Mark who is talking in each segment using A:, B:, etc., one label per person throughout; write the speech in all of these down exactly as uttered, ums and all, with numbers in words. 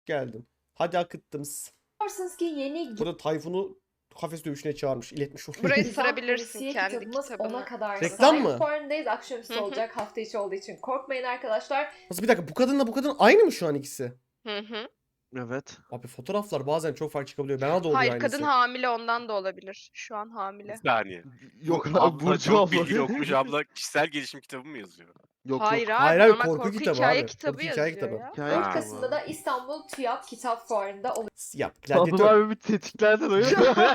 A: Geldim. Hadi akıttım.
B: Yaparsınız ki yeni
A: Burada Tayfun'u kafes dövüşüne çağırmış. iletmiş onu.
C: Burayı
B: Gizem
C: sırabilirsin
B: polisiye
C: kendi
B: kitabımız
C: kitabını.
B: ona kadar
A: Reklam
B: sahip.
A: mı?
B: Fuarındayız. Akşamüstü
C: Hı hı.
B: olacak. Hafta içi olduğu için korkmayın arkadaşlar.
A: Nasıl bir dakika bu kadınla bu kadın aynı mı şu an ikisi?
C: Hı hı.
D: Evet.
A: Abi fotoğraflar bazen çok farklı çıkabiliyor. Bana da oluyor
C: Hayır,
A: aynısı.
C: kadın hamile ondan da olabilir. Şu an
E: Bir
C: hamile.
E: saniye.
D: Yok
E: Bu
D: abi
E: abla
D: Burcu
E: çok
D: abla.
E: bilgili okumuş abla kişisel gelişim kitabı mı yazıyor?
D: Yok
C: Hayır
D: yok.
C: abi,
A: Hayır, hayır,
C: normal
A: korku
C: korku,
A: kitabı
C: hikaye
A: abi.
C: kitabı
A: Korku hikaye
C: yazıyor
A: kitabı.
C: ya.
D: Hikaye
B: dört
E: Ha.
B: Kasım'da da İstanbul TÜYAP Kitap Fuarı'nda
A: Ya
D: Sadullah
A: gladyatör.
D: abi bir tetiklerden oyun.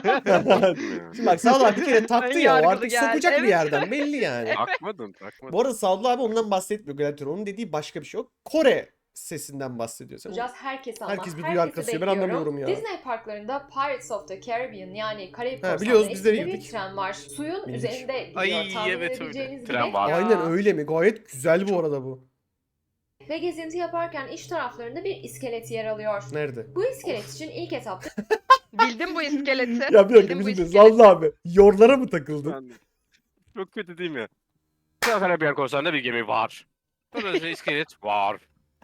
A: Şimdi bak Sadullah abi bir kere taktı ya o
C: Yargılı
A: artık
C: geldi.
A: sokacak bir
C: Evet.
A: yerden belli yani.
E: Takmadım takmadım.
A: Bu arada Sadullah abi ondan bahsetmiyor gladyatör. Onun dediği başka bir şey yok. Kore sesinden bahsediyor. Sen
B: olacağız. Herkes ama
A: Herkes bir
B: herkesi
A: duyar kasıyor. Ben
B: bekliyorum.
A: anlamıyorum ya.
B: Disney parklarında Pirates of the Caribbean yani Karayip
A: Ha,
B: Korsanları
A: biliyoruz, biz de
B: isminde bir
A: bildik.
B: tren var. Suyun
A: Bildik.
B: üzerinde gidiyor.
E: Ay,
B: Tahmin
E: evet, öyle.
B: edebileceğiniz
E: Tren
B: gibi.
E: var.
C: Ya.
A: Aynen öyle mi? Gayet güzel bu arada bu.
B: Ve gezinti yaparken iç taraflarında bir iskelet yer alıyor.
A: Nerede?
B: Bu iskelet için ilk etapta
C: Bildim bu iskeleti.
A: Ya bir dakika
C: Bildim bu
A: bir dakika.
C: iskeleti.
A: Sadullah abi. Yorlara mı takıldın?
E: Ben de- Çok kötü değil mi? Karabiyar korsanında bir gemi var. Burada iskelet var.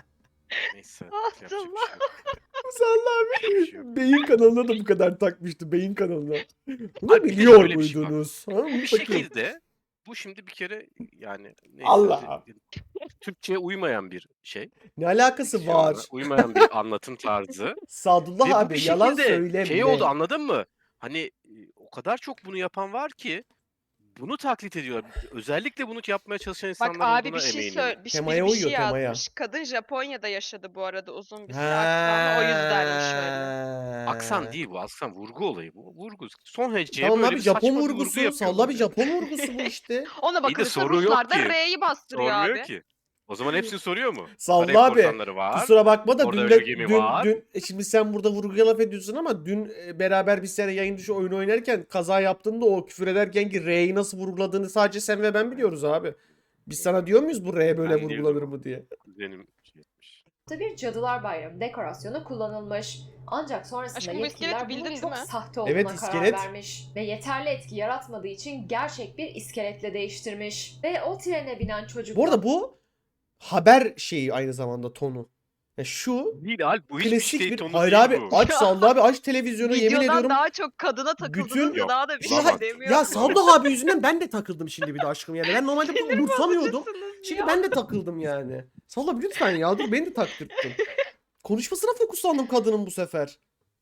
E: Neyse. yapacak bir şey yok.
A: Sadullah abi.
E: Yapacak bir şey yok.
A: Beyin kanalına da bu kadar takmıştı. Beyin kanalına. Bunu
E: Abi bir de
A: biliyor
E: şöyle bir şey var.
A: muydunuz? Ha,
E: Bir
A: bakayım.
E: şekilde bu şimdi bir kere yani neyse,
A: Allah.
E: Türkçe'ye uymayan bir şey.
A: Ne alakası
E: Diksiyona
A: var?
E: Uymayan bir anlatım tarzı.
A: Sadullah
E: Ve bu
A: abi
E: bir
A: yalan
E: şekilde
A: söyleme.
E: şey oldu, anladın mı? Hani e, o kadar çok bunu yapan var ki bunu taklit ediyorlar. Özellikle bunu yapmaya çalışan
C: Bak
E: insanlar
C: abi
E: olduğuna
C: bir şey
E: eminim.
C: söyle, bir, şey-
A: Temaya
C: bir
A: uyuyor,
C: şey
A: temaya.
C: yazmış. Kadın Japonya'da yaşadı bu arada uzun bir süre aksanı, o yüzdenmiş öyle.
E: Aksan değil bu, aksan vurgu olayı bu. Vurgu. Son heceye
A: Tamam
E: böyle
A: abi
E: bir
A: Japon
E: saçma bir vurgu
A: vurgusu.
E: yapıyor
A: Salla bir
E: böyle.
A: Japon vurgusu bu işte.
C: Ona
E: İyi de
C: bakılırsa
E: soru yok
C: Ruslar da
E: ki.
C: R'yi bastırıyor
E: Sormuyor
C: abi.
E: ki. O zaman hepsini soruyor mu?
A: Salla
E: Karayip
A: abi.
E: korsanları var.
A: Kusura bakma da
E: Orada
A: dün,
E: öyle
A: de,
E: bir gemi
A: dün,
E: var.
A: dün e şimdi sen burada vurguya laf ediyorsun ama dün e, beraber bir sene yayın dışı oyun oynarken kaza yaptığında o küfür ederken ki R'yi nasıl vurguladığını sadece sen ve ben biliyoruz abi. Biz sana diyor muyuz bu R böyle
E: Ben
A: vurgulanır
E: diyorum.
A: mı diye?
E: Benim şey etmiş.
B: bir Cadılar Bayramı dekorasyonu kullanılmış. Ancak sonrasında
C: Aşkım bu iskeleti
B: yetkililer
C: bildin
B: bunun
C: değil
B: çok
C: mi?
B: sahte olduğuna
A: Evet,
B: karar
A: iskelet.
B: vermiş. Ve yeterli etki yaratmadığı için gerçek bir iskeletle değiştirmiş. Ve o trene binen çocuk
A: Bu arada bu haber şeyi aynı zamanda tonu. Ya şu
E: Değil Alp, bu hiçbir
A: klasik
E: şey
A: bir
E: tonu
A: hayır
E: değil
A: abi
E: bu.
A: aç Sadullah abi aç televizyonu yemin
C: Videodan
A: ediyorum.
C: daha çok kadına takıldınız
A: bütün-
C: ya,
E: Yok,
C: daha da bir
A: Şimdi
C: şey
A: ha-
C: demiyorum.
A: ya Sadullah abi yüzünden ben de takıldım şimdi bir de aşkım yani. Ben normalde bunu umursamıyordum.
C: Bozucusunuz
A: Şimdi
C: ya.
A: ben de takıldım yani. Sadullah abi lütfen ya dur beni de taktırttın. Konuşmasına fokuslandım kadının bu sefer.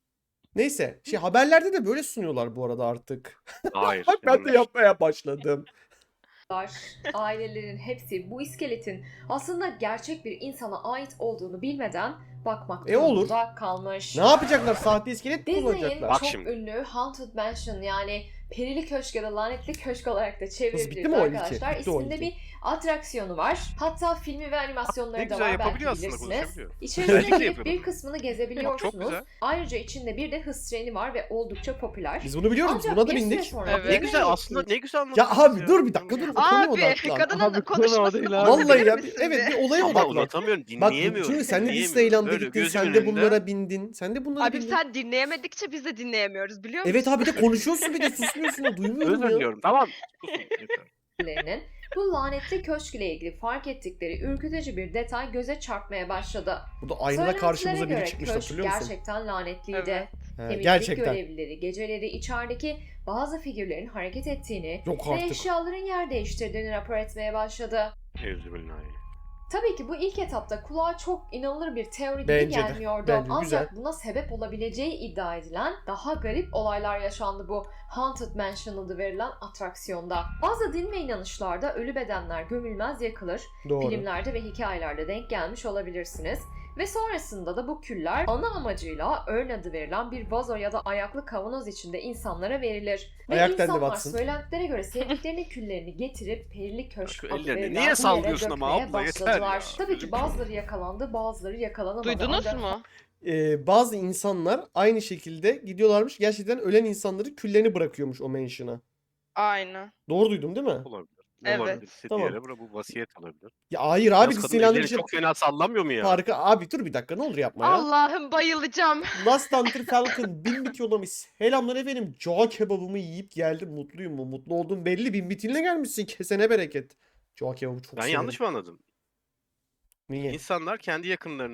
A: Neyse şey haberlerde de böyle sunuyorlar bu arada artık.
E: Hayır.
A: Bak ben de
E: yanlış.
A: yapmaya başladım.
B: var. Ailelerin hepsi bu iskeletin aslında gerçek bir insana ait olduğunu bilmeden bakmak
A: E, olur.
B: durumunda kalmış.
A: Ne yapacaklar? Sahte iskelet mi
B: Disney'in
A: kullanacaklar?
E: Bak
B: çok
E: şimdi.
B: ünlü Haunted Mansion yani Perili Köşk ya da Lanetli Köşk olarak da
A: bitti mi
B: çevirdiğimiz
A: o ilki?
B: arkadaşlar
A: Bitti o
B: isminde
A: ilki.
B: bir atraksiyonu var. Hatta filmi ve animasyonları
E: Ne
B: da
E: güzel
B: var belki
E: yapabiliyor aslında,
B: bilirsiniz.
E: konuşabiliyor.
B: İçerisine
E: Özellikle
B: girip
E: yapıyor
B: bir
E: bunu.
B: kısmını
E: Çok
B: gezebiliyorsunuz.
E: güzel.
B: Ayrıca içinde bir de hız treni var ve oldukça popüler.
A: Biz bunu biliyoruz.
B: Ancak
A: Buna da
B: bir süre
A: bindik.
B: sonra
C: Evet.
E: Ne
B: Disney'e
E: güzel aslında,
B: geçtiği
E: ne güzel
A: Ya
E: anlatıyorsunuz
A: abi dur bir dakika dur.
C: Abi
A: Konuya odaklan.
C: kadının
D: Abi, konu o
C: konuşmasını
D: değil abi.
A: Vallahi
C: bozabilir
A: ya bir,
C: misin
A: evet
C: bir?
A: bir olaya
E: Ama
A: odaklan.
E: uzatamıyorum,
A: Bak
E: dinleyemiyorum.
A: çünkü sen de
E: dinleyemiyorum.
A: Disneyland'a
E: Böyle
A: gittin.
E: gözümün
A: Sen de
E: önünde-
A: bunlara bindin. Sen de bunlara
C: Abi
A: bindin.
C: sen dinleyemedikçe biz de dinleyemiyoruz biliyor musun?
A: Evet abi de konuşuyorsun bir de susmuyorsun da duymuyorum
E: Özür
A: ya.
E: diliyorum. Tamam. Susun, yeter.
B: Lerinin bu lanetli köşk ile ilgili fark ettikleri ürkütücü bir detay göze çarpmaya başladı.
A: Burada aynada
B: Söylentilere
A: karşımıza biri
B: göre
A: çıkmıştı
B: köşk
A: hatırlıyor musun?
B: gerçekten lanetliydi.
C: Evet.
A: He,
B: Temizlik
A: gerçekten.
B: görevlileri geceleri içerideki bazı figürlerin hareket ettiğini
A: Yok
B: ve
A: artık.
B: eşyaların yer değiştirdiğini rapor etmeye başladı.
E: Euzubillahimineşşeytanirracim.
B: Tabii ki bu ilk etapta kulağa çok inanılır bir teori gibi
A: Bence de,
B: gelmiyordu.
A: bence
B: Ancak
A: güzel.
B: buna sebep olabileceği iddia edilen daha garip olaylar yaşandı bu Haunted Mansion adı verilen atraksiyonda. Bazı din ve inanışlarda ölü bedenler gömülmez yakılır.
A: Doğru.
B: Filmlerde ve hikayelerde denk gelmiş olabilirsiniz. Ve sonrasında da bu küller ana amacıyla örn adı verilen bir vazo ya da ayaklı kavanoz içinde insanlara verilir. Ve
A: Ayak dendi
B: insanlar
A: Watson.
B: söylentilere göre sevdiklerinin küllerini getirip perili köşk
E: Şu
B: adı
E: ellerini
B: verilen
E: niye
B: bu yere
E: sallıyorsun ama
B: dökmeye
E: abla, yeter
B: başladılar.
E: ya.
B: Tabii ki
E: Gözüm
B: bazıları yakalandı, bazıları yakalanamadı.
C: Duydunuz
B: Ancak
C: mu?
A: Ee, bazı insanlar aynı şekilde gidiyorlarmış. Gerçekten ölen insanları küllerini bırakıyormuş o mansion'a.
C: Aynen.
A: Doğru duydum değil mi?
E: Olabilir. Ne
C: Evet.
E: olabilir?
A: Tamam.
E: Tamam. Bu vasiyet olabilir.
A: Ya hayır
E: Yalnız
A: abi
E: kadın
A: Disneyland'ın
E: elleri
A: bir şey
E: çok fena sallamıyor mu ya?
A: farkı. Abi dur bir dakika ne olur yapma ya.
C: Allah'ım bayılacağım.
A: Last Hunter Falcon bin bit yollamış. Selamlar efendim. Cağ kebabımı yiyip geldim. Mutluyum mu? Mutlu olduğum belli. Bin bitinle gelmişsin. Kesene bereket. Cağ kebabı çok
E: Ben
A: severim.
E: yanlış mı anladım?
A: Niye?
E: İnsanlar kendi yakınlarının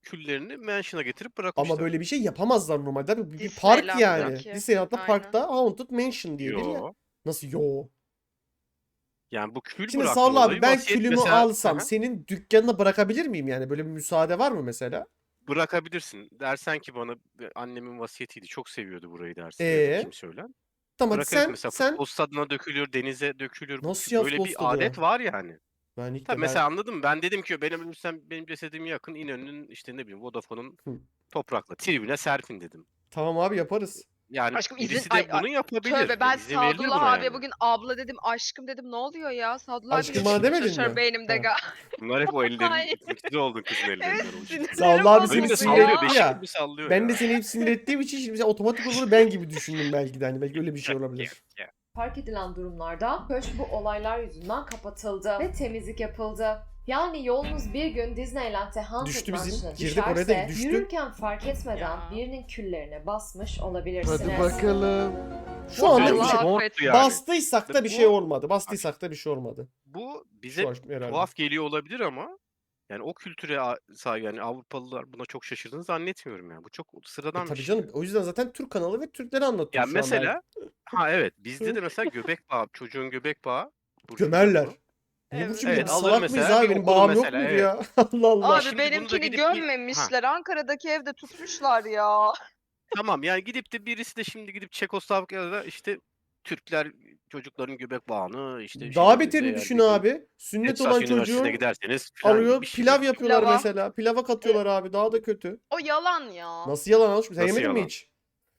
E: küllerini mansion'a getirip bırakmışlar.
A: Ama böyle bir şey yapamazlar normalde. Abi, bir bir park
C: Disneyland'daki.
A: yani. Disneyland'da
C: Aynen.
A: parkta Haunted Mansion diyedir ya.
E: Yo.
A: Nasıl yo?
E: Yani bu kül
A: Şimdi
E: bırakma
A: Sağol abi
E: olayı
A: ben
E: vasiyet
A: külümü
E: mesela-
A: alsam
E: Aha.
A: senin dükkanına bırakabilir miyim yani? Böyle bir müsaade var mı mesela?
E: Bırakabilirsin. Dersen ki bana "E, annemin vasiyetiydi. Çok seviyordu burayı" dersin. Ya da
A: Ee?
E: kim söyler?
A: Tamam hadi
E: Bırakırız
A: sen
E: mesela
A: sen
E: futbol stadına dökülür, denize dökülür. Bu
A: nasıl
E: kül-
A: ya
E: Böyle
A: futbol
E: bir
A: stadı?
E: adet var yani.
A: Ben ilk
E: Tabii
A: de
E: mesela
A: ben...
E: anladın mı? Ben dedim ki benim ölürsem benim cesedime yakın İnönü'nün işte ne bileyim Vodafone'un
A: Hı.
E: toprakla tribüne serpin dedim.
A: Tamam abi yaparız.
E: Yani
C: Aşkım izin-
E: birisi de
C: ay- ay,
E: bunu yapabilir.
C: Tövbe ben
E: İzin verilir
C: Sadullah
E: buna
C: abiye
E: yani.
C: bugün abla dedim, aşkım dedim, ne oluyor ya? Sadullah
A: Aşkım
C: abiyle
A: bana
C: düşünmeye
A: demedin
C: çalışıyorum
A: mi?
C: beynimde
A: Ha.
C: ga.
E: Bunlar hep o ellerin
C: Hayır.
E: üzüntüde oldun kızın ellerinden.
C: Evet,
E: onun için.
C: sinirlerim
A: Sağ ol abi,
C: bozuldu
A: seni
E: Benim de
A: sinir
E: sallıyor.
A: etti
E: Beşik
A: ya.
E: gibi sallıyor
A: Ben
E: ya.
A: de seni hep sinir ettiğim için şimdi mesela otomatik olarak ben gibi düşündüm belki de. Hani belki öyle bir şey olabilir.
B: Fark edilen durumlarda köşk bu olaylar yüzünden kapatıldı ve temizlik yapıldı. Yani yolunuz bir gün Disneyland'e Haunted
A: Düştü bizim.
B: Mansion'a
A: Girdik oraya da
B: düşerse
A: düştü.
B: yürürken fark etmeden
C: Ya.
B: birinin küllerine basmış olabilirsiniz.
D: Hadi bakalım.
A: Şu anda
E: Allah
A: bir şey,
C: affetsin.
E: yani.
A: bastıysak da bir
E: Bu-
A: şey olmadı. Bastıysak da bir şey olmadı.
E: Bu
A: Şu
E: bize
A: an herhalde.
E: tuhaf geliyor olabilir ama yani o kültüre a- sahip yani Avrupalılar buna çok şaşırdığını zannetmiyorum yani. Bu çok
A: E
E: sıradan bir
A: tabii
E: şey.
A: canım. O yüzden zaten Türk kanalı ve Türkleri anlatıyor
E: Yani
A: şu an
E: mesela ha evet bizde de mesela göbek bağı çocuğun göbek bağı Burcu
A: Gömerler.
E: bunu.
A: Niye
C: Evet
A: Burcu
E: Evet,
A: biz
E: alır
A: salak mıyız
E: mesela
A: abi?
E: bir
A: Benim
E: okulu
A: bağım yok
E: mesela,
A: muydu
E: evet.
A: ya? Allah Allah.
C: Abi
E: Şimdi bunu da
C: benimkini
E: gidip bir-
C: gömmemişler. Ankara'daki evde tutmuşlar ya.
E: Tamam yani gidip de birisi de şimdi gidip Çekoslovakya'da işte Türkler çocukların göbek bağını işte
A: Daha
E: şey,
A: beterini
E: eğer
A: düşün
E: bir gün
A: abi. Sünnet
E: Texas
A: olan
E: Üniversitesi'ne
A: çocuğu
E: giderseniz falan
A: arıyor,
E: bir şey
A: pilav
E: böyle-
A: yapıyorlar
C: Pilava.
A: mesela. Pilava katıyorlar abi. Daha da kötü.
C: O yalan ya.
A: Nasıl yalan alışmış? Sen
E: Nasıl
A: yemedin mi
E: yalan?
A: hiç?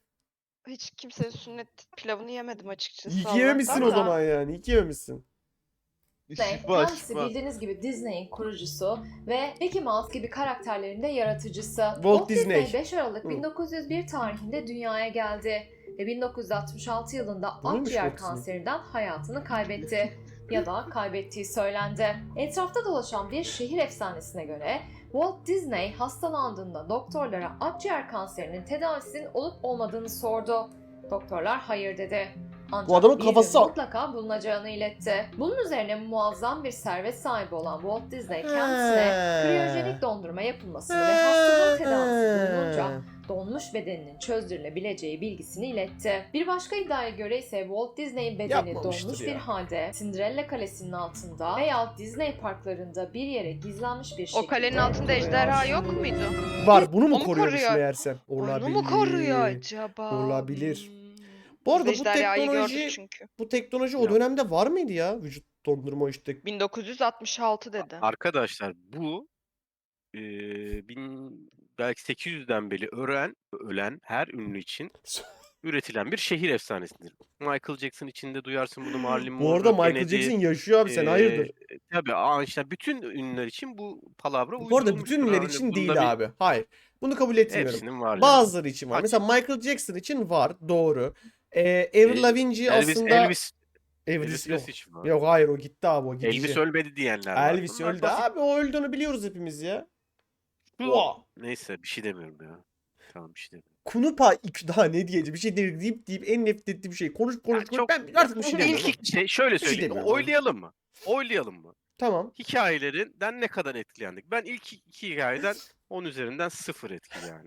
C: Hiç kimsenin sünnet pilavını yemedim açıkçası.
A: İyi ki yememişsin
C: Allah'tan
A: o
C: da.
A: zaman yani. İyi ki yememişsin.
B: Disney,
D: Şifa
B: kendisi
D: şifa.
B: bildiğiniz gibi Disney'in kurucusu ve Mickey Mouse gibi karakterlerin de yaratıcısı.
A: Walt Disney.
B: beş Aralık
A: Hı.
B: bin dokuz yüz bir tarihinde dünyaya geldi ve bin dokuz yüz altmış altı yılında
A: Buymuş
B: akciğer
A: Walt Disney.
B: kanserinden hayatını kaybetti ya da kaybettiği söylendi. Etrafta dolaşan bir şehir efsanesine göre Walt Disney hastalandığında doktorlara akciğer kanserinin tedavisinin olup olmadığını sordu. Doktorlar hayır dedi. Ancak
A: Bu adamın
B: bir
A: kafası-
B: gün mutlaka bulunacağını iletti. Bunun üzerine muazzam bir servet sahibi olan Walt Disney kendisine
A: He.
B: kriyojenik dondurma yapılmasını ve hastalığın tedavisi
A: He.
B: bulununca donmuş bedeninin çözdürülebileceği bilgisini iletti. Bir başka iddiaya göre ise Walt Disney'in bedeni
A: Yapmamıştır
B: donmuş
A: ya.
B: bir halde Cinderella Kalesi'nin altında veya Disney parklarında bir yere gizlenmiş bir şekilde
C: O kalenin altında
B: duruyor.
C: ejderha yok muydu?
A: Var. Bunu mu
C: O mu
A: koruyormuş
C: koruyor?
A: meğersem?
C: Onu mu koruyor acaba?
A: Olabilir.
C: Hmm.
A: Bu arada
C: Biz
A: bu
C: ejderhayı
A: teknoloji
C: gördük çünkü.
A: bu teknoloji o
E: Yok.
A: dönemde var mıydı ya? Vücut dondurma işte.
C: bin dokuz yüz altmış altı dedi.
E: Arkadaşlar bu eee bin, belki sekiz yüzden beri ölen, ölen her ünlü için üretilen bir şehir efsanesidir. Michael Jackson içinde duyarsın bunu, Marilyn
A: Bu arada
E: Monroe,
A: Michael
E: Kennedy,
A: Jackson yaşıyor abi sen
E: eee,
A: hayırdır?
E: Tabii Einstein, bütün ünlüler için bu palavra
A: Bu arada bütün
E: uydurulmuştur.
A: ünlüler
E: Hani
A: için
E: bunda
A: değil
E: bir-
A: abi. Hayır. Bunu kabul etmiyorum.
E: Hepsinin var yani.
A: Bazıları için var.
E: Açık.
A: Mesela Michael Jackson için var. Doğru. Ee, Avril
E: Ee,
A: Lavigne
E: Elvis,
A: aslında
E: Elvis,
A: Elvis,
E: Elvis
A: yok.
E: Presley var.
A: Yok hayır o gitti abi o gidici.
E: Elvis ölmedi diyenler var.
A: Elvis
E: Bunlar
A: öldü
E: basit.
A: abi o öldüğünü biliyoruz hepimiz ya.
E: Bu-
A: Oha.
E: Neyse bir şey demiyorum ya. Tamam bir şey demiyorum.
A: Kunupa iki daha ne diyeceğim bir şey değil deyip deyip en nefret ettiğim şey. Konuş konuş
E: Ya
A: konuş.
E: çok-
A: Ben artık bir şey demiyorum.
E: İlk şey şöyle
A: şey
E: söyleyeyim.
A: demiyorum abi.
E: Oylayalım mı? Oylayalım mı?
A: Tamam.
E: Hikayelerinden ne kadar etkilendik? Ben ilk iki hikayeden on üzerinden sıfır etki yani.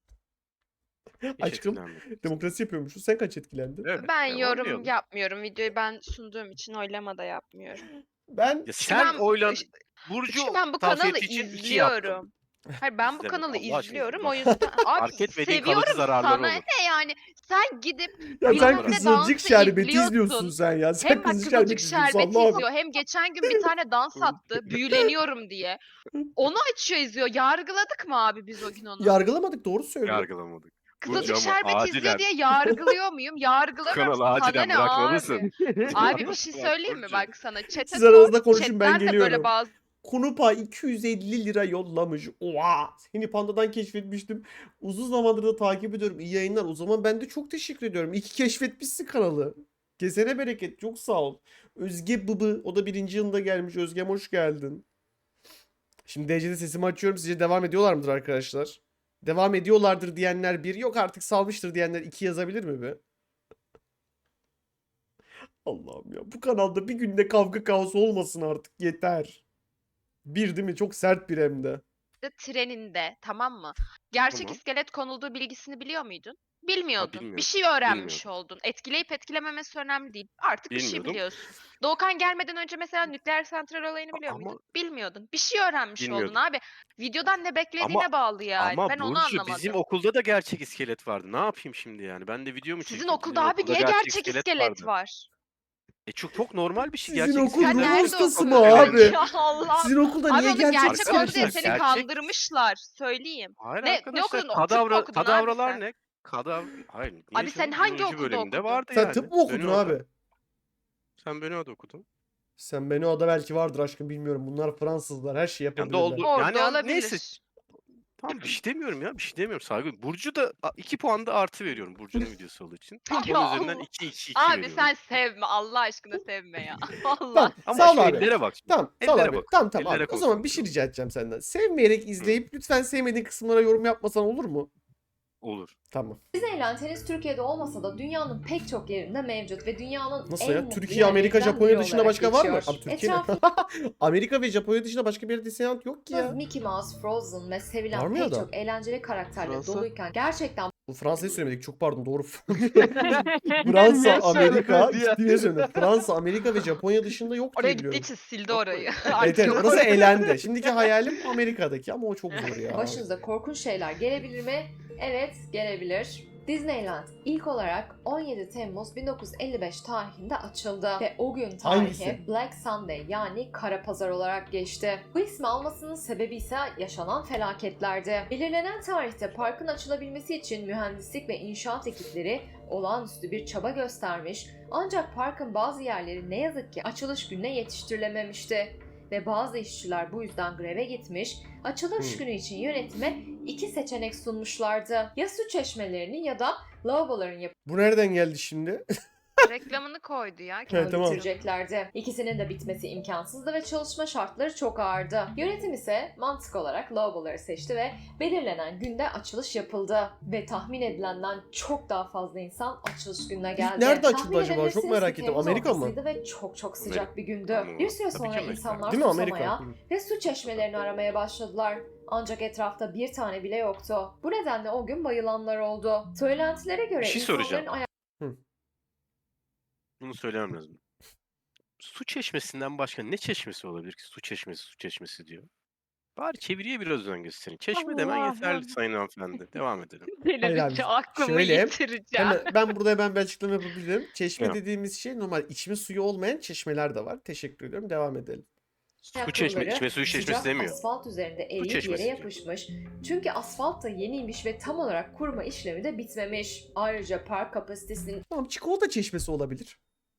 E: Hiç
A: Aşkım
E: etkilenmedim.
A: demokrasi yapıyormuşuz. Sen kaç etkilendin?
E: Evet,
C: Ben
E: ya
C: yorum
E: oylayalım.
C: yapmıyorum. Videoyu ben sunduğum için oylama da yapmıyorum.
A: Ben
E: Ya
C: Çünkü
E: sen
C: ben-
E: oylan
C: Çünkü
E: Burcu
C: ben bu
E: tavsiye
C: kanalı
E: ettiği için iki yaptım.
C: izliyorum. Hayır ben bu
E: İzleme,
C: kanalı
E: Allah aşkına
C: izliyorum
E: izleme.
C: o yüzden. Abi
E: Fark etmediğin kalıcı
C: seviyorum
E: zararları
C: sana
E: olur.
C: ne yani sen gidip
A: ya
C: bilmem
A: sen
C: ne
A: Kızılcık
C: dansı
A: Şerbeti
C: izliyorsun.
A: izliyorsun sen ya. Sen
C: hem bak
A: Kızılcık
C: Kızılcık
A: Şerbeti izliyorsun.
C: Şerbeti
A: Allah'ım.
C: izliyor hem geçen gün bir tane dans attı büyüleniyorum diye. Onu açıyor izliyor. Yargıladık mı abi biz o gün onu?
A: Yargılamadık doğru söylüyor.
E: Yargılamadık.
C: Kızılcık
E: Burcu ama
C: Şerbeti
E: acilen
C: izliyor diye yargılıyor muyum? Yargılamıyorum.
E: kanalı
C: Sana
E: acilen
C: ne
E: bırakmalısın.
C: abi? Abi bir şey
E: Bak
C: söyleyeyim mi?
E: Burcu.
C: Bak sana chat'e
A: Siz aranızda
C: sor.
A: konuşun, ben
C: Chatten de
A: geliyorum.
C: böyle bazı
A: Kunupa iki yüz elli lira yollamış. Oha! Seni Panda'dan keşfetmiştim. Uzun zamandır da takip ediyorum. İyi yayınlar. O zaman ben de çok teşekkür ediyorum. İyi ki keşfetmişsin kanalı. Kesene bereket. Çok sağ ol. Özge Bıbı. O da birinci yılında gelmiş. Özgem hoş geldin. Şimdi D C'de sesimi açıyorum. Sizce devam ediyorlar mıdır arkadaşlar? Devam ediyorlardır diyenler bir. Yok artık salmıştır diyenler iki yazabilir mi be? Allah'ım ya. Bu kanalda bir günde kavga kaosu olmasın artık. Yeter. Bir değil mi? Çok sert bir hem de.
C: Transit treninde, tamam mı? Gerçek
E: Tamam.
C: iskelet konulduğu bilgisini biliyor muydun? Bilmiyordun. Bir
E: bilmiyordum,
C: şey öğrenmiş
E: bilmiyordum.
C: oldun. Etkileyip etkilememesi önemli değil. Artık bir şey
E: Bilmiyordum.
C: biliyorsun. Doğukan gelmeden önce mesela nükleer santral olayını
E: A
C: biliyor
E: ama
C: muydun? Bilmiyordun. Bir şey öğrenmiş oldun
E: Bilmiyordum.
C: abi. Videodan ne
E: Ama
C: beklediğine bağlı yani.
E: ama
C: Ben onu
E: Burcu bizim
C: anlamadım.
E: okulda da gerçek iskelet vardı. Ne yapayım şimdi yani? Ben de video mu
C: Sizin
E: çekeyim? Sizin
C: okulda abi
E: okulda
C: niye
E: gerçek
C: gerçek
E: iskelet
C: iskelet
E: vardı.
C: var?
E: E çok çok normal bir şey.
A: Sizin
E: Gerçek
A: okul
C: Sen
E: iskeletler
A: ruh
C: nerede
E: çok
A: hastası mı
C: okudun?
E: görüyorum.
A: abi?
C: Ya Allah'ım.
A: Sizin okulda
C: Abi
A: niye
C: onu
A: gerçek
C: gerçek oldu
A: iskelet
C: diye
A: var?
C: seni
E: gerçek-
C: kandırmışlar. Söyleyeyim.
E: Hayır
C: Ne- ne
E: arkadaşlar,
C: okudun? Tıp mı
E: kadavra
C: okudun abi
E: kadavralar
C: sen?
E: ne? Kadavra hayır niye
C: Abi sen
E: canım?
C: hangi
E: Biyoloji
C: okulda
E: bölümünde
C: okudun?
E: vardı
A: Sen
E: yani.
A: tıp mı okudun
E: Benoa'da.
A: abi?
E: Sen Benoa'da okudun.
A: Sen beni o da belki vardır aşkım bilmiyorum. Bunlar Fransızlar. Her şeyi
E: Yani
A: yapabilirler.
E: doldu.
C: Orada
E: Yani an-
C: olabilir.
E: neyse. Tamam bir şey demiyorum ya. Bir şey demiyorum. Saygı. Burcu da a, iki puan da artı veriyorum Burcu'nun videosu olduğu için.
C: Ya
E: Onun üzerinden
C: Allah.
E: iki iki iki
C: Abi
E: veriyorum.
C: sen sevme. Allah aşkına sevme ya. Allah.
A: Tamam.
E: Ama
A: Sağ ol
E: şu
A: abi.
E: ellere bak. Şimdi.
A: Tamam. Sağ ol
E: Ellere
A: abi.
E: bak.
A: Tamam tamam
E: Ellere
A: abi. O zaman bir şey
E: konsantre ol.
A: rica edeceğim senden. Sevmeyerek izleyip lütfen sevmediğin kısımlara yorum yapmasan olur mu?
E: Olur.
A: Tamam.
B: Disneyland henüz Türkiye'de olmasa da dünyanın pek çok yerinde mevcut ve dünyanın
A: Nasıl
B: en
A: ya?
B: mutlu
A: Türkiye, Amerika,
B: yerlerinden
A: Japonya
B: biri
A: dışında
B: olarak
A: başka var mı?
B: geçiyor.
A: Abi Türkiye ne?
B: Etrafımızda
A: Amerika ve Japonya dışında başka bir yerde Disneyland yok ki ya.
B: Mickey Mouse, Frozen ve
A: Var
B: sevilen
A: mı ya
B: pek
A: da?
B: çok eğlenceli karakterle
D: Fransa?
B: doluyken gerçekten
A: Bu Fransa'yı söylemedik. Çok pardon doğru.
D: Niye
A: Fransa, Amerika.
D: söylemedi ya?
A: Ciddi söyledim. Fransa, Amerika ve Japonya dışında yok diye
C: Oraya
A: biliyorum.
C: gittiği için sildi
E: Yok
C: orayı.
E: öyle.
C: Artık
A: Evet, evet,
C: yok
A: orası
C: orada.
A: elendi. Şimdiki hayalim Amerika'daki ama o çok zor ya.
B: başınıza korkunç şeyler gelebilir mi? Evet, gelebilir. Disneyland ilk olarak on yedi Temmuz bin dokuz yüz elli beş tarihinde açıldı ve o gün tarihe
A: Hangisi?
B: Black Sunday yani Kara Pazar olarak geçti. Bu ismi almasının sebebi ise yaşanan felaketlerdi. Belirlenen tarihte parkın açılabilmesi için mühendislik ve inşaat ekipleri olağanüstü bir çaba göstermiş ancak parkın bazı yerleri ne yazık ki açılış gününe yetiştirilememişti. Ve bazı işçiler bu yüzden greve gitmiş, açılış
A: Hmm.
B: günü için yönetime iki seçenek sunmuşlardı. Ya su çeşmelerinin ya da lavaboların
A: Bu nereden geldi şimdi?
C: Reklamını koydu ya.
A: Evet,
B: yapımını
A: tamam.
B: bitireceklerdi. İkisinin de bitmesi imkansızdı ve çalışma şartları çok ağırdı. Yönetim ise mantık olarak lavaboları seçti ve belirlenen günde açılış yapıldı. Ve tahmin edilenden çok daha fazla insan açılış gününe geldi.
A: nerede açıldı
B: Tahmin
A: acaba? Çok
B: edebilirsiniz
A: merak
B: ki
A: ettim.
B: Temmuz
A: Amerika mı?
B: ortasıydı ve çok çok sıcak
E: Amerika.
B: bir gündü.
E: Ama
B: Bir süre
E: tabii ki
B: sonra
E: Amerika.
B: insanlar
A: Değil mi
B: susamaya
A: Amerika? Hı.
B: ve su çeşmelerini aramaya başladılar. Ancak etrafta bir tane bile yoktu. Bu nedenle o gün bayılanlar oldu. Söylentilere göre
E: Bir şey
B: insanların
E: soracağım.
B: aya-
E: Bunu söylemem lazım. Su çeşmesinden başka ne çeşmesi olabilir ki? Su çeşmesi, su çeşmesi diyor. Bari çeviriye biraz özen gösterin. Çeşme demen yeterli
C: Allah'ım.
E: sayın hanımefendi. Devam edelim.
C: Delirince aklımı
A: şöyle,
C: yitireceğim.
A: Hemen, ben burada hemen bir açıklama yapabilirim. Çeşme
E: Evet.
A: dediğimiz şey normal içme suyu olmayan çeşmeler de var. Teşekkür ediyorum. Devam edelim.
E: Su çeşme,
B: ayakkabıları
E: içme suyu çeşmesi
B: sıcak
E: demiyor.
B: asfalt üzerinde eriyip yere
E: çeşmesi diyor.
B: yapışmış. Çünkü asfalt da yeniymiş ve tam olarak kuruma işlemi de bitmemiş. Ayrıca park kapasitesinin
A: Tamam çikolata çeşmesi olabilir.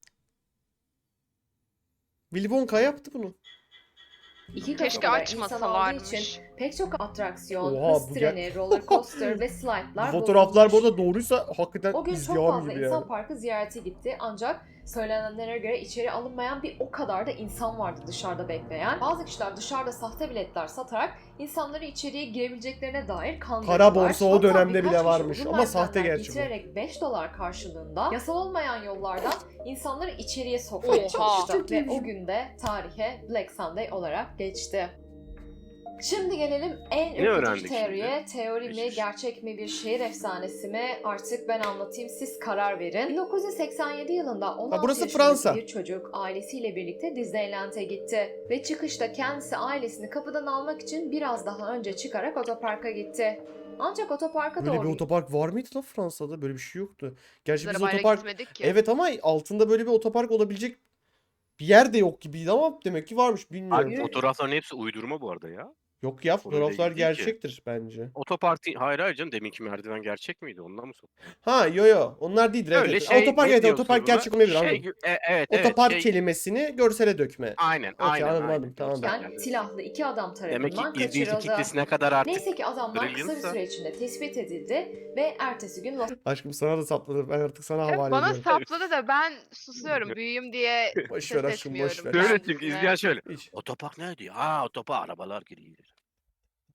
A: Willy Wonka yaptı bunu.
B: iki katı
C: Keşke
B: kadar insan aldığı
C: açmasalarmış.
B: için pek çok atraksiyon,
A: Oha,
B: hız
A: bu
B: treni, roller coaster ve slide'lar
A: Bu fotoğraflar bu
B: bozulmuş.
A: arada doğruysa hakikaten
B: O gün çok
A: izdivam
B: fazla
A: gibi
B: insan
A: yani.
B: parkı ziyarete gitti ancak söylenenlere göre içeri alınmayan bir o kadar da insan vardı dışarıda bekleyen. Bazı kişiler dışarıda sahte biletler satarak insanları içeriye girebileceklerine dair kandırdılar.
A: Kara borsa o
B: Hatta
A: dönemde
B: birkaç
A: bile
B: kişi
A: varmış
B: uzun
A: ama sahte
B: merdivenler
A: gerçi bu.
B: getirerek beş dolar karşılığında yasal olmayan yollardan insanları içeriye sokmaya
C: Oha.
B: çalıştı.
A: Çok
B: Ve
A: iyiymiş.
B: o günde tarihe Black Sunday olarak geçti. Şimdi gelelim en ürkütücü
E: öğrendik
B: teoriye.
E: şimdi?
B: Teori mi,
E: Geçmiş.
B: gerçek mi, bir şehir efsanesi mi? Artık ben anlatayım, siz karar verin. bin dokuz yüz seksen yedi yılında on altı
A: burası
B: yaşındaki
A: Fransa.
B: bir çocuk ailesiyle birlikte Disneyland'e gitti. Ve çıkışta kendisi ailesini kapıdan almak için biraz daha önce çıkarak otoparka gitti. Ancak otoparka
A: Böyle bir
B: doğru
A: otopark var mıydı lan Fransa'da? Böyle bir şey yoktu. Gerçi biz
C: Arabayla
A: otopark...
C: gitmedik ki.
A: Evet ama altında böyle bir otopark olabilecek bir yer de yok gibiydi ama demek ki varmış bilmiyorum.
E: Abi fotoğrafların hepsi uydurma bu arada ya.
A: Yok ya
E: Konuyla
A: fotoğraflar
E: ilgili değil ki.
A: gerçektir bence.
E: Otoparkı hayır hayır canım deminki merdiven gerçek miydi? Ondan mı soktun?
A: Ha yo yo onlar değildir evet.
E: Öyle
A: evet.
E: şey
A: Otopark
E: ne
A: evet
E: diyorsun
A: otopark
E: buna?
A: gerçek olmayabilir
E: Şey,
A: anladım.
E: gü- e, evet evet
A: Otopark
E: şey,
A: kelimesini görsele dökme.
E: aynen
A: Okey,
E: aynen
A: anladım,
E: aynen.
A: anladım, tamam.
B: Yani
E: Yani.
B: silahlı iki adam
E: Demek ki
B: tarafından
E: izleyici
B: kaçırıldı.
E: kitlesi ne kadar artık
B: Neyse ki adamlar kısa bir
E: brilliantsa.
B: süre içinde tespit edildi ve ertesi gün Los
A: Aşkım sana da sapladı ben artık sana
C: Hep
A: havale
C: bana
A: ediyorum.
C: sapladı da ben susuyorum. Büyüğüm diye
A: Boş ver
C: ses
A: aşkım boş
C: etmiyorum
A: ver.
E: Şöyle
C: kendisine.
E: çünkü izleyen şöyle.
A: Hiç.
E: Otopark ne diyor? Aa otopark arabalar giriyor.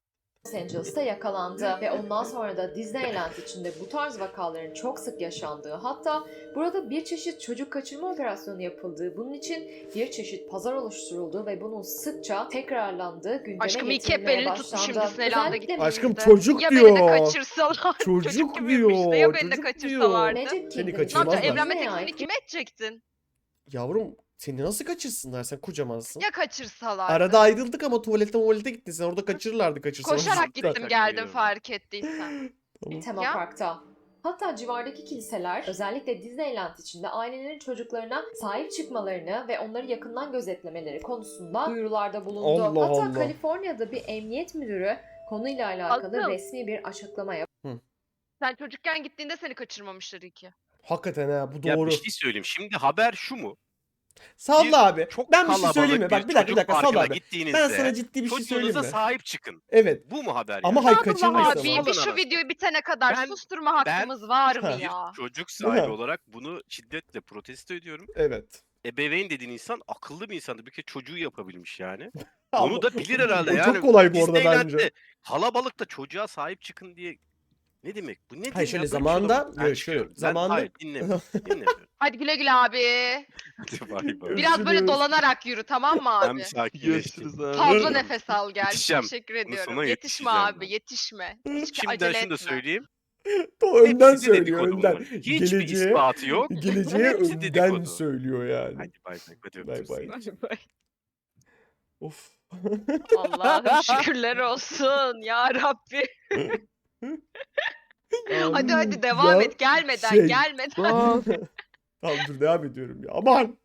B: Los Angeles'ta yakalandı ve ondan sonra da Disneyland içinde bu tarz vakaların çok sık yaşandığı, hatta burada bir çeşit çocuk kaçırma operasyonu yapıldığı, bunun için bir çeşit pazar oluşturulduğu ve bunun sıkça tekrarlandığı gündeme
C: Aşkım ilk hep
B: getirilmeye
C: belini tutmuşum
B: başlandı.
C: Disneyland'a
B: Özellikle
C: gittiğimizde.
A: Aşkım çocuk
C: Ya
A: diyor.
C: beni de kaçırsalar.
A: Çocuk
C: gibiymiş de
A: diyor,
C: ya beni de
A: çocuk
C: kaçırsalardı.
A: diyor.
B: Magic
A: Seni
B: Kingdom
C: Ne
A: kaçırmazlar.
C: yapacaksın? Evlenme
B: Disney'e
C: teklifini
B: ait
C: kime edecektin?
A: Yavrum seni nasıl kaçırsınlar? Sen kocamansın.
C: Ya kaçırsalardı?
A: Arada ayrıldık ama tuvalete tuvalete gittin. Sen orada kaçırırlardı kaçırsalar.
C: Koşarak
A: Cidden.
C: gittim geldim
E: Biliyorum.
C: fark ettiysen.
A: Tamam.
B: tema
C: Ya.
B: parkta. Hatta civardaki kiliseler özellikle Disneyland içinde ailelerin çocuklarına sahip çıkmalarını ve onları yakından gözetlemeleri konusunda duyurularda bulundu.
A: Allah
B: Hatta
A: Allah.
B: Kaliforniya'da bir emniyet müdürü konuyla alakalı
C: Asıl.
B: resmi bir açıklama yaptı.
C: Sen çocukken gittiğinde seni kaçırmamışlar iyi ki.
A: Hakikaten ha bu
E: Ya
A: doğru.
E: bir şey söyleyeyim. Şimdi haber şu mu?
A: Salla abi.
E: Çok
A: Ben bir şey
E: kalabalık
A: söyleyeyim mi? Bak bir dakika bir
E: çocuk
A: dakika salla
E: parkına
A: abi.
E: gittiğinizde
A: Ben sana ciddi bir şey söyleyeyim
E: çocuğunuza
A: mi?
E: sahip çıkın.
A: Evet.
E: Bu mu haber
A: Ama
E: yani?
A: hayır
C: Sadullah
A: kaçırmayız
C: abi
A: ama.
C: bir şu
E: Alın
C: videoyu bitene kadar
E: Ben-
C: susturma
E: ben-
C: hakkımız var mı
A: Ha.
C: ya?
E: Çocuk
A: Değil mi?
E: sahibi olarak bunu şiddetle protesto ediyorum.
A: Evet.
E: Ebeveyn dediğin insan akıllı bir insandı. Bir kere çocuğu yapabilmiş yani.
A: Ama
E: Onu da bilir herhalde
A: o
E: yani.
A: çok kolay bu arada
E: Disneyland'de
A: bence.
E: kalabalıkta çocuğa sahip çıkın diye ne demek? Bu nedir
A: Hayır
E: ya?
A: şöyle
E: Böyle bir şey
A: zamanında
E: olamaz. Ben
A: yok şöyle
E: çıkıyorum. Ben
A: zamanında
E: hayır dinlemiyorum. dinlemiyorum.
C: Hadi güle güle abi.
E: Hadi bay bay.
C: Biraz böyle
A: Görüşürüz.
C: dolanarak yürü tamam mı
E: Ben
C: abi?
E: bir sakinleştim.
D: Görüşürüz abi.
C: Fazla nefes al gel.
E: Yetişeceğim.
C: Teşekkür
E: Bunun
C: ediyorum.
E: sonuna
C: Yetişme
E: yetişeceğim
C: abi
E: ben.
C: yetişme. Hiç
E: Şimdiden
C: acele
E: şunu da
C: etme.
E: söyleyeyim.
A: o önden
E: Hepsi
A: söylüyor
E: dedikodu
A: önden.
E: bunlar. Hiçbir
A: Geleceğe,
E: ispatı yok.
A: geleceğe
E: Hepsi
A: önden
E: dedikodu.
A: söylüyor yani.
E: Hadi bay bay. Hadi
A: Bay
E: öptüm
A: bay.
E: seni.
A: Of.
C: Allah'ım şükürler olsun ya Rabbi. Hadi hadi devam
A: Ya
C: et gelmeden
A: şey-
C: gelmeden.
D: Aa,
A: Tamam dur devam ediyorum ya. Aman.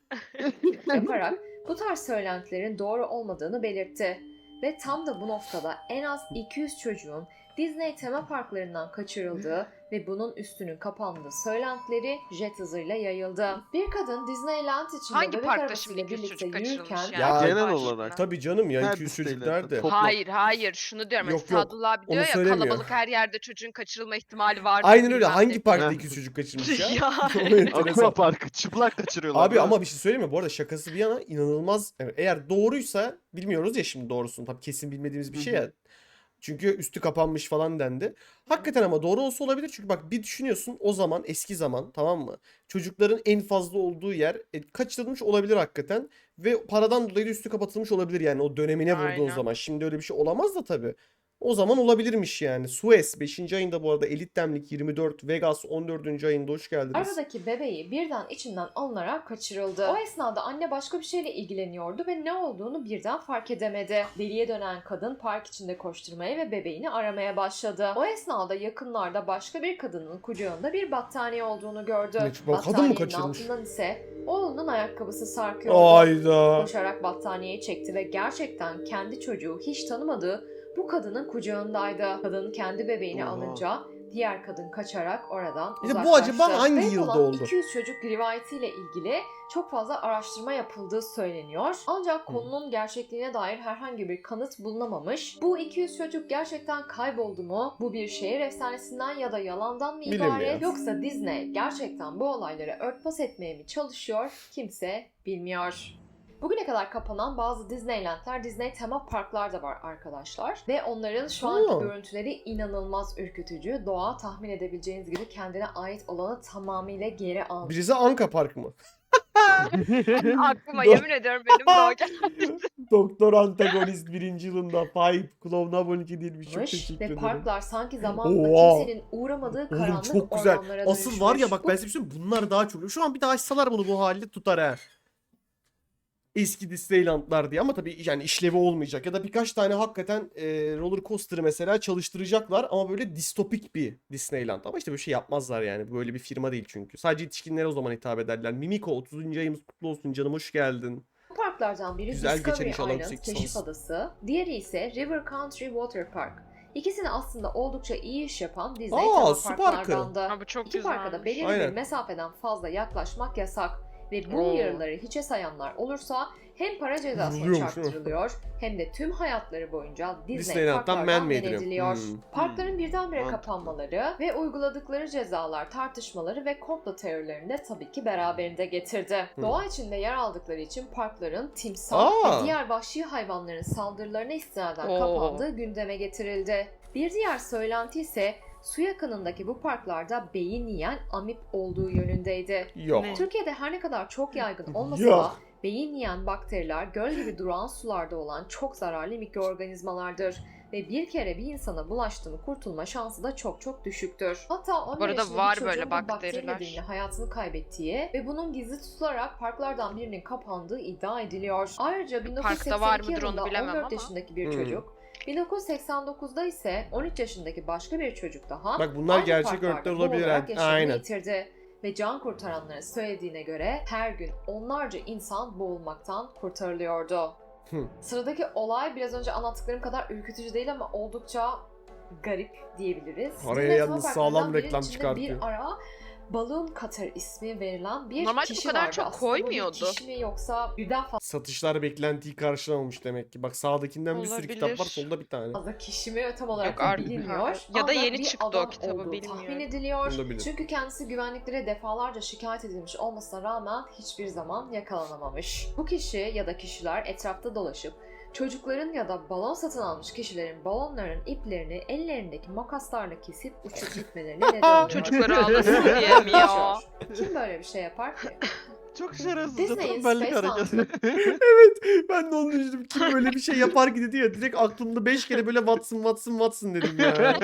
B: yaparak bu tarz söylentilerin doğru olmadığını belirtti. Ve tam da bu noktada en az iki yüz çocuğun Disney tema parklarından kaçırıldığı ve bunun üstünün kapandığı söylentileri jet hızıyla yayıldı. Bir kadın Disneyland içinde
C: Hangi
B: bebek
C: parkta
B: arabasıyla
C: şimdi iki yüz
B: birlikte
C: çocuk
B: yürürken
C: kaçırılmış yani?
A: Ya,
C: Allah
D: genel
C: aşkına.
D: olarak.
A: Tabii canım ya
D: Her
A: iki yüz
D: Disneyland'de
A: çocuk nerede?
D: top-
C: Hayır hayır şunu diyorum.
A: Yok,
C: Yok,
A: yok.
C: Sadullah abi
A: Onu
C: diyor ya
A: söylemiyor.
C: kalabalık her yerde çocuğun kaçırılma ihtimali var.
A: Aynen öyle. Hangi
C: bilmem
A: parkta
D: Heh.
A: iki yüz çocuk kaçırmış ya?
C: Ya.
A: O enteresan.
D: Aqua Park'ı çıplak kaçırıyorlar.
A: Abi
D: değil mi?
A: ama bir şey söyleyeyim mi? Bu arada şakası bir yana inanılmaz. Evet, eğer doğruysa bilmiyoruz ya şimdi doğrusunu. Tabii kesin bilmediğimiz bir
D: Hı
A: şey
D: hı.
A: ya. Çünkü üstü kapanmış falan dendi. Hakikaten ama doğru olsa olabilir. Çünkü bak bir düşünüyorsun o zaman eski zaman tamam mı? Çocukların en fazla olduğu yer e, kaçırılmış olabilir hakikaten. Ve paradan dolayı da üstü kapatılmış olabilir yani o dönemine vurduğun
C: Aynen.
A: zaman. Şimdi öyle bir şey olamaz da tabii. O zaman olabilirmiş yani. Suez beşinci ayında bu arada Elit Demlik yirmi dört, Vegas on dördüncü ayında hoş geldiniz.
B: Arabadaki bebeği birden içinden alınarak kaçırıldı. O esnada anne başka bir şeyle ilgileniyordu ve ne olduğunu birden fark edemedi. Deliye dönen kadın park içinde koşturmaya ve bebeğini aramaya başladı. O esnada yakınlarda başka bir kadının kucağında bir battaniye olduğunu gördü.
A: Ne, bu kadın mı
B: Battaniyenin
A: kaçırmış?
B: altından ise oğlunun ayakkabısı sarkıyordu.
A: Ayda.
B: Koşarak battaniyeyi çekti ve gerçekten kendi çocuğu hiç tanımadığı bu kadının kucağındaydı. Kadın kendi bebeğini
A: Oha.
B: alınca diğer kadın kaçarak oradan
A: İşte bu
B: uzaklaştı.
A: acaba hangi
B: Kayıp
A: yılda
B: olan
A: oldu?
B: iki yüz çocuk rivayetiyle ilgili çok fazla araştırma yapıldığı söyleniyor. Ancak konunun gerçekliğine dair herhangi bir kanıt bulunamamış. Bu iki yüz çocuk gerçekten kayboldu mu? Bu bir şehir efsanesinden ya da yalandan mı
A: Bilinmiyor.
B: ibaret? Yoksa Disney gerçekten bu olayları örtbas etmeye mi çalışıyor? Kimse bilmiyor. Bugüne kadar kapanan bazı Disneyland'ler, Disney tema parklar da var arkadaşlar. Ve onların şu anki
A: Oo.
B: görüntüleri inanılmaz ürkütücü. Doğa tahmin edebileceğiniz gibi kendine ait olanı tamamıyla geri almış.
A: Birisi Anka Park mı?
C: Aklıma yemin ediyorum benim de o geldi.
A: Doktor Antagonist birinci yılında Five Clown abone değilmiş. Çok teşekkür
B: Ve
A: ederim.
B: parklar sanki zamanla
A: Oha.
B: kimsenin uğramadığı
A: Oğlum
B: karanlık
A: çok güzel.
B: ormanlara
A: Asıl var ya
B: dönüşmüş.
A: bak ben size bir şey söyleyeyim, bunlar daha çok. Şu an bir daha açsalar bunu bu halde tutar ha. Eski Disneyland'lar diye ama tabii yani işlevi olmayacak. Ya da birkaç tane hakikaten e, roller coaster'ı mesela çalıştıracaklar ama böyle distopik bir Disneyland. Ama işte böyle şey yapmazlar yani. Böyle bir firma değil çünkü. Sadece yetişkinlere o zaman hitap ederler. Mimiko otuzuncu ayımız kutlu olsun canım, hoş geldin.
B: Bu parklardan biri
A: Güzel geçer
B: Discovery
A: inşallah
B: Island,
A: yüksek
B: Keşif
A: lisans.
B: Adası. Diğeri ise River Country Water Park. İkisini aslında oldukça iyi iş yapan Disney
A: Aa,
B: tema
A: su parkı.
B: parklardandı.
C: Ha, bu çok
B: İki parka da
C: güzelmiş.
B: belirli
A: Aynen.
B: bir mesafeden fazla yaklaşmak yasak. Ve bu
C: Oo.
B: uyarıları hiçe sayanlar olursa hem para cezasına
A: Vuruluyormuş, değil mi?
B: çarptırılıyor hem de tüm hayatları boyunca Disney
A: Disneyland'dan
B: parklardan
A: man
B: men
A: made
B: ediliyor.
A: Hmm.
B: Parkların birdenbire
D: Mantıklı.
B: kapanmaları ve uyguladıkları cezalar tartışmaları ve komplo teorilerini de tabii ki beraberinde getirdi.
A: Hı.
B: Doğa içinde yer aldıkları için parkların timsah
A: Aa!
B: ve diğer vahşi hayvanların saldırılarına istinaden
C: Oo.
B: kapandığı gündeme getirildi. Bir diğer söylenti ise su yakınındaki bu parklarda beyin yiyen amip olduğu yönündeydi.
A: Yok.
C: Ne?
B: Türkiye'de her ne kadar çok yaygın olmasa
A: Yok.
B: da beyin yiyen bakteriler göl gibi duran sularda olan çok zararlı mikroorganizmalardır ve bir kere bir insana bulaştı mı kurtulma şansı da çok çok düşüktür. Hatta on bir
C: arada
B: yaşında
C: var
B: bir çocuğun
C: böyle
B: bu bakteri
C: bakteriler.
B: nedeniyle hayatını kaybettiği ve bunun gizli tutularak parklardan birinin kapandığı iddia ediliyor. Ayrıca bin dokuz yüz
C: Parkta var
B: seksen iki
C: mıdır onu
B: yılında
C: bilemem
B: on dört
C: ama.
B: yaşındaki bir
A: Hmm.
B: çocuk, bin dokuz yüz seksen dokuzda ise on üç yaşındaki başka bir çocuk daha
A: Bak bunlar
B: aynı
A: gerçek
B: parklarda
A: örnekler olabilir.
B: boğularak
A: ha.
B: yaşamını
A: Aynen.
B: yitirdi. Ve can kurtaranların söylediğine göre her gün onlarca insan boğulmaktan kurtarılıyordu.
A: Hı.
B: Sıradaki olay biraz önce anlattıklarım kadar ürkütücü değil ama oldukça garip diyebiliriz.
A: Araya
B: Disney
A: yalnız
B: Parklarından
A: sağlam
B: birinin
A: reklam
B: içinde
A: çıkartıyor.
B: Bir ara Balloon Cutter ismi verilen bir
C: Normalde bu
B: kişi
C: kadar
B: vardı.
C: çok
B: Aslında bu bir
C: koymuyordu.
B: kişi mi yoksa birden
A: Satışlar beklentiyi karşılamamış demek ki. Bak sağdakinden bir sürü kitap var,
C: Olabilir.
A: solda bir tane.
B: fazla kişi mi tam olarak
C: Yok, ar-
B: bilinmiyor.
C: ha. Ya da
B: Ancak
C: yeni
B: bir
C: çıktı o
B: adam
C: kitabı,
B: olduğu
C: bilmiyorum.
B: tahmin ediliyor.
A: Olabilir.
B: Çünkü kendisi güvenliklere defalarca şikayet edilmiş olmasına rağmen hiçbir zaman yakalanamamış. Bu kişi ya da kişiler etrafta dolaşıp çocukların ya da balon satın almış kişilerin balonların iplerini ellerindeki makaslarla kesip uçup gitmelerine neden oluyor.
C: Çocukları ağlasın diye mi ya?
B: Kim böyle bir şey yapar ki?
D: Çok şerefsiz.
B: Disney'in
D: Tembellik
B: Space
D: hareketi.
A: Evet, ben de onu düşündüm. Kim böyle bir şey yapar ki dedi ya. Direkt aklımda beş kere böyle Watson Watson Watson dedim ya.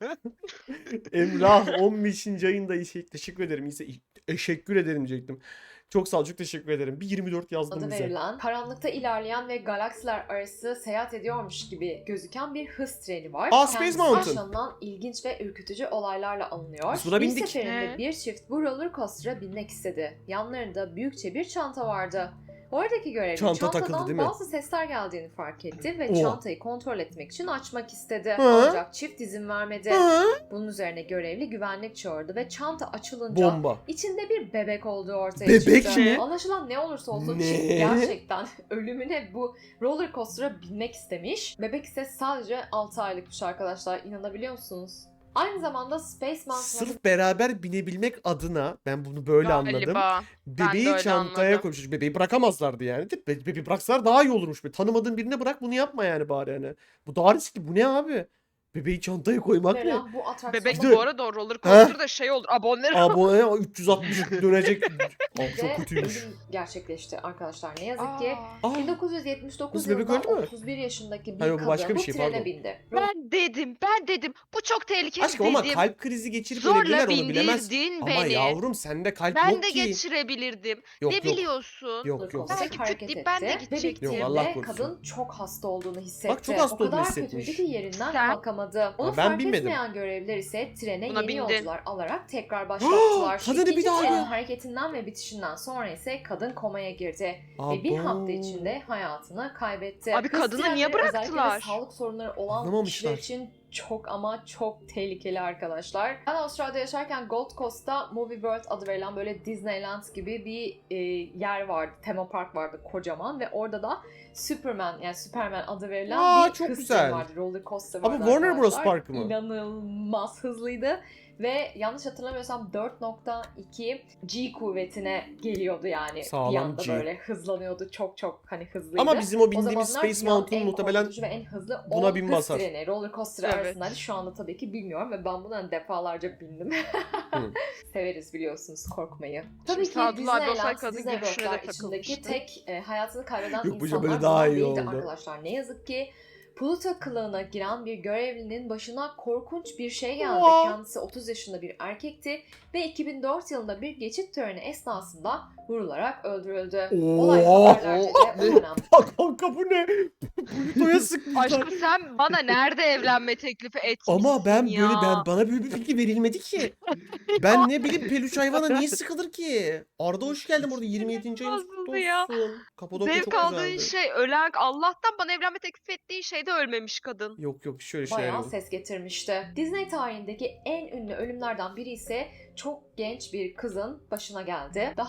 A: Emrah on beşinci ayında işe teşekkür ederim. İse teşekkür ederim diyecektim. Çok sağ ol, çok teşekkür ederim. Bir yirmi dört yazdım
B: Adı
A: bize.
B: verilen, karanlıkta ilerleyen ve galaksiler arası seyahat ediyormuş gibi gözüken bir hız treni var.
A: Aa, Space
B: Kendisi
A: Mountain.
B: yaşanılan ilginç ve ürkütücü olaylarla alınıyor.
A: Biz buna
B: bir
A: bindik.
B: seferinde
C: He.
B: bir çift bu roller coaster'a binmek istedi. Yanlarında büyükçe bir çanta vardı. Oradaki görevli
A: Çanta
B: çantadan
A: takıldı, değil mi?
B: bazı sesler geldiğini fark etti ve
A: Oha.
B: çantayı kontrol etmek için açmak istedi.
A: Hı.
B: Ancak çift izin vermedi.
A: Hı?
B: Bunun üzerine görevli güvenlik çağırdı ve çanta açılınca
A: Bomba.
B: İçinde bir bebek olduğu ortaya
A: Bebek
B: çıktı.
A: mi?
B: Anlaşılan ne olursa olsun
A: Ne?
B: çift gerçekten ölümüne bu roller coaster'a binmek istemiş. Bebek ise sadece altı aylıkmış arkadaşlar. İnanabiliyor musunuz? Aynı zamanda Space Mountain'a
A: Sırf beraber binebilmek adına ben bunu böyle anladım.
C: Galiba. Ben de
A: Bebeği
C: öyle
A: çantaya
C: anladım.
A: koymuş. Bebeği bırakamazlardı yani. Be bebeği bıraksalar daha iyi olurmuş. Be. Tanımadığın birine bırak, bunu yapma yani bari yani. Bu daha riskli. Bu ne abi? Bebeği çantaya koymak ne?
B: verilen bu atraksiyonda
C: Bebek
A: Bir de-
C: bu arada o roller coaster'da şey olur. Abone
A: Abone üç yüz altmış dönecek. Abi
B: ve
A: çok kötüymüş.
B: ölüm gerçekleşti arkadaşlar. Ne yazık ki
C: Aa,
A: Aa,
B: bin dokuz yüz yetmiş dokuz
A: Kız bebek
B: yılında
A: öldü mü?
B: otuz bir yaşındaki bir
A: Ha, yok, bu
B: kadın
A: başka bir
B: bu
A: şey,
B: trene
A: pardon.
B: bindi.
C: ben dedim, ben dedim. Bu çok tehlikeli
A: aşkım ama
C: dedim.
A: kalp krizi geçirip öyle
C: Zorla
A: bilirler, onu bilemez.
C: bindirdin
A: Ama
C: beni.
A: yavrum sende kalp
C: Ben
A: yok
C: de
A: ki.
C: geçirebilirdim.
A: Yok
C: ne
A: yok.
C: biliyorsun?
A: Yok yok.
B: Coaster
C: Belki küt
B: hareket
C: deyip ben de
B: etti ve
C: gidecektim.
A: Yok, Allah
B: bittiğinde
A: korusun.
B: kadın çok hasta olduğunu hissetti.
A: Bak, çok hasta
B: o kadar
A: olduğunu hissetmiş.
B: kötüydü ki yerinden
C: Sen-
B: kalkamadı. Onu
A: Ha, ben
B: fark
A: binmedim.
B: etmeyen görevliler ise trene
C: Buna
B: yeni
C: bindin.
B: yolcular alarak tekrar başlattılar.
A: Kadını bir
B: İkinci
A: daha
B: trenin
A: ya.
B: hareketinden ve bitişinden sonra ise kadın komaya girdi. Ve bir
A: Abo.
B: hafta içinde hayatını kaybetti.
C: Abi
B: Hız
C: kadını niye
B: trenleri özellikle de
C: bıraktılar?
B: sağlık sorunları olan
A: Anlamamışlar.
B: kişiler için çok ama çok tehlikeli arkadaşlar. Ben Avustralya'da yaşarken Gold Coast'ta Movie World adı verilen böyle Disneyland gibi bir e, yer vardı. Tema park vardı kocaman ve orada da Superman yani Superman adı verilen
A: Aa,
B: bir
A: çok
B: hız
A: güzel.
B: treni vardı. Roller coaster
A: Ama
B: vardı
A: Warner Bros.
B: arkadaşlar.
A: Parkı mı?
B: İnanılmaz hızlıydı. Ve yanlış hatırlamıyorsam dört nokta iki G kuvvetine geliyordu yani.
A: Sağlam
B: bir anda
A: G.
B: böyle hızlanıyordu. Çok çok hani hızlıydı.
A: Ama bizim o
B: O
A: bindiğimiz
B: zamanlar
A: Space
B: dünyanın
A: Mountain
B: en
A: muhtemelen
B: korkutucu ve en hızlı
A: buna
B: on
A: bin
B: hız
A: basar.
B: treni, roller coaster
C: Evet.
B: arasındaydı. Şu anda tabii ki bilmiyorum ve ben buna defalarca bindim.
A: Hı.
B: Severiz biliyorsunuz korkmayı. Tabii ki
C: Sadullah abi olsaydı
B: Disneyland,
C: kadın
B: Disney
C: gülüşüne de
B: World'lar içindeki
C: takılmıştı.
B: tek e, hayatını kaybeden
A: Yok, bu
B: insanlar
A: böyle daha
B: bunlar
A: iyi
B: değildi
A: oldu.
B: arkadaşlar. Ne yazık ki Pluto kılığına giren bir görevlinin başına korkunç bir şey geldi.
A: Aa.
B: Kendisi otuz yaşında bir erkekti ve iki bin dört yılında bir geçit töreni esnasında vurularak öldürüldü. Olay
A: Oha.
B: haberlerce de o dönem
A: Bak kanka bu ne? Pluto'ya sıkmışlar.
C: Aşkım sen bana nerede evlenme teklifi etmişsin
A: Ama ben
C: ya?
A: böyle ben bana böyle bir fikir verilmedi ki. Ben ne bileyim peluş hayvana niye sıkılır ki? Arda hoş geldin burada yirmi yedinci ayınız kutlu
C: Bozuldu ya.
A: olsun. Kapadokya
C: Zevk
A: çok
C: aldığın
A: güzeldi.
C: şey ölen Allah'tan bana evlenme teklif ettiği şeyde ölmemiş kadın.
A: Yok yok şöyle şeyler
B: bayağı
A: yok.
B: ses getirmişti. Disney tarihindeki en ünlü ölümlerden biri ise çok genç bir kızın başına geldi. Daha önce çektiği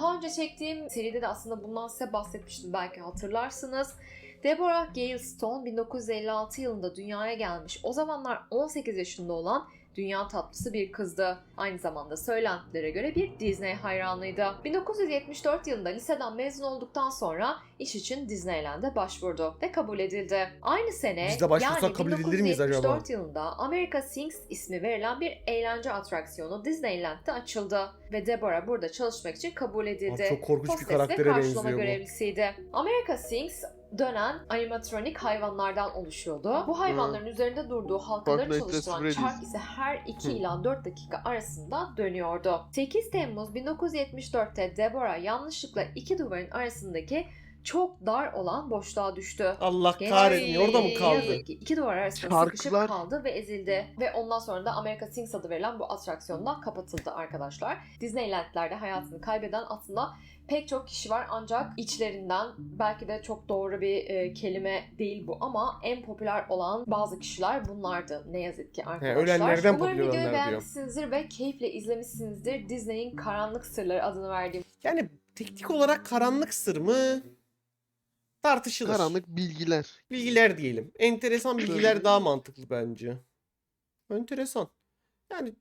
B: çektiğim seride de aslında bundan size bahsetmiştim, belki hatırlarsınız. Deborah Gale Stone bin dokuz yüz elli altı yılında dünyaya gelmiş. O zamanlar on sekiz yaşında olan dünya tatlısı bir kızdı. Aynı zamanda söylentilere göre bir Disney hayranıydı. bin dokuz yüz yetmiş dört yılında liseden mezun olduktan sonra iş için Disneyland'e başvurdu ve kabul edildi. Aynı sene
A: Biz de başvursak
B: yani
A: kabul edilir miyiz
B: bin dokuz yüz yetmiş dört
A: acaba?
B: yılında America Sings ismi verilen bir eğlence atraksiyonu Disneyland'de açıldı ve Deborah burada çalışmak için kabul edildi.
A: Abi çok korkunç bir
B: Hostes ve
A: karaktere
B: karşılama
A: benziyor bu.
B: görevlisiydi. America Sings dönen animatronik hayvanlardan oluşuyordu. Bu hayvanların üzerinde durduğu halkaları
D: Fortnite'de
B: çalıştıran
D: Freddy's.
B: çark ise her iki
A: Hı.
B: ila dört dakika arasında dönüyordu. sekiz Temmuz bin dokuz yüz yetmiş dörtte Deborah yanlışlıkla iki duvarın arasındaki çok dar olan boşluğa düştü.
A: Allah
B: Genç
A: kahretsin.
B: kız
A: Orada mı
B: ne
A: kaldı?
B: yazık ki iki duvar arasında
D: Çarklar-
B: sıkışıp kaldı ve ezildi. Ve ondan sonra da America Sings adı verilen bu atraksiyondan kapatıldı arkadaşlar. Disneyland'lerde hayatını kaybeden aslında pek çok kişi var, ancak içlerinden, belki de çok doğru bir e, kelime değil bu ama en popüler olan bazı kişiler bunlardı ne yazık ki arkadaşlar.
A: ölenlerden
B: Umarım
A: popüler
B: videoyu
A: olanlar diyor.
B: beğenmişsinizdir ve keyifle izlemişsinizdir. Disney'in Karanlık Sırları adını verdiğim
A: Yani teknik olarak karanlık sır mı? Tartışılır.
D: Karanlık bilgiler.
A: Bilgiler diyelim. Enteresan bilgiler daha mantıklı bence. Enteresan. Yani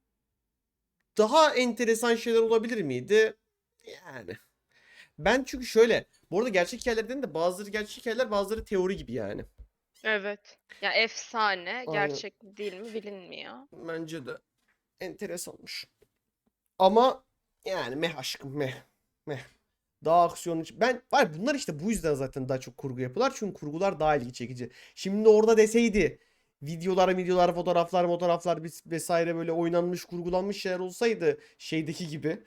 A: daha enteresan şeyler olabilir miydi? Yani. Ben çünkü şöyle. Bu arada gerçek hikayelerden de bazıları gerçek hikayeler, bazıları teori gibi yani.
C: Evet. Ya efsane.
A: Aynen.
C: Gerçek mi değil mi bilinmiyor.
A: Bence de enteresanmış. Ama yani meh aşkım meh. Meh. Daha aksiyon için. Ben var bunlar işte bu yüzden zaten daha çok kurgu yapıyorlar. Çünkü kurgular daha ilgi çekici. Şimdi orada deseydi videolar, videolar, fotoğraflar, fotoğraflar ves- vesaire böyle oynanmış, kurgulanmış şeyler olsaydı şeydeki gibi.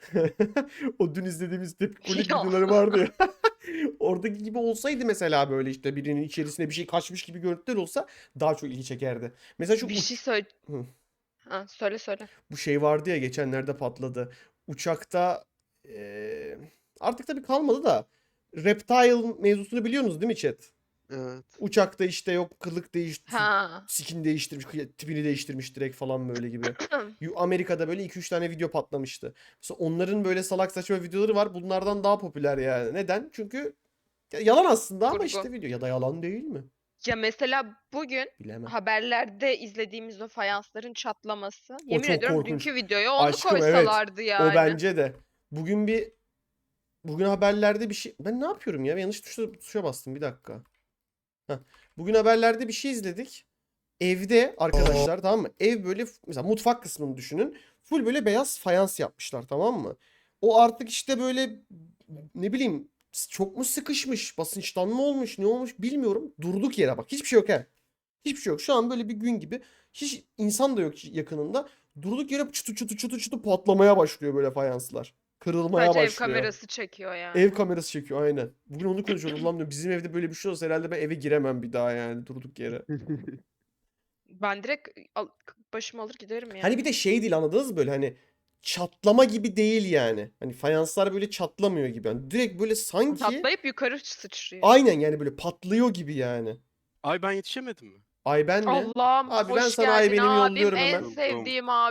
A: O dün izlediğimiz tepkilik
C: Ya.
A: videoları vardı ya. Oradaki gibi olsaydı mesela böyle işte birinin içerisine bir şey kaçmış gibi görüntüler olsa daha çok ilgi çekerdi. Mesela şu
C: Bir
A: uç-
C: şey söyle.
A: Hı.
C: Ha, söyle söyle.
A: bu şey vardı ya geçenlerde patladı. Uçakta eee, artık tabii kalmadı da Reptile mevzusunu biliyorsunuz değil mi chat?
D: Evet.
A: Uçakta işte yok kılık değişti,
C: Ha.
A: skin değiştirmiş, kıya- tipini değiştirmiş direkt falan böyle gibi. Yu- Amerika'da böyle iki üç tane video patlamıştı. Mesela onların böyle salak saçma videoları var. Bunlardan daha popüler yani. Neden? Çünkü ya yalan aslında ama
C: Kurgu.
A: işte video. Ya da yalan değil mi?
C: Ya mesela bugün
A: Bilemem.
C: haberlerde izlediğimiz o fayansların çatlaması. Yemin
A: çok
C: ediyorum
A: korkunç.
C: dünkü videoya onu
A: Aşkım, evet.
C: koysalardı yani.
A: O bence de. Bugün bir bugün haberlerde bir şey ben ne yapıyorum ya? Ben yanlış tuşa, tuşa bastım bir dakika. Heh. Bugün haberlerde bir şey izledik. Evde arkadaşlar tamam mı? Ev böyle f- mesela mutfak kısmını düşünün. Full böyle beyaz fayans yapmışlar tamam mı? O artık işte böyle ne bileyim s- çok mu sıkışmış, basınçtan mı olmuş, ne olmuş bilmiyorum. Durduk yere bak. Hiçbir şey yok he. Hiçbir şey yok. Şu an böyle bir gün gibi. Hiç insan da yok yakınında. Durduk yere çıtı çıtı çıtı çıtı patlamaya başlıyor böyle fayanslar. Kırılmaya
C: Sadece ev
A: başlıyor.
C: kamerası çekiyor yani.
A: Ev kamerası çekiyor aynen. Bugün onu konuşuyordum. Ulan diyorum, bizim evde böyle bir şey olsa herhalde ben eve giremem bir daha yani durduk yere.
C: Ben direkt al- başımı alır giderim yani.
A: Hani bir de şey değil anladınız mı böyle hani çatlama gibi değil yani. Hani fayanslar böyle çatlamıyor gibi. Yani direkt böyle sanki
C: Patlayıp yukarı sıçrıyor.
A: aynen yani böyle patlıyor gibi yani.
E: Ay ben yetişemedim mi?
A: Ay ben mi?
C: Allah'ım
A: Abi ben
C: hoş
A: sana ay
C: geldin
A: benimi
C: abim,
A: yolluyorum
C: en
A: hemen.
C: sevdiğim abim.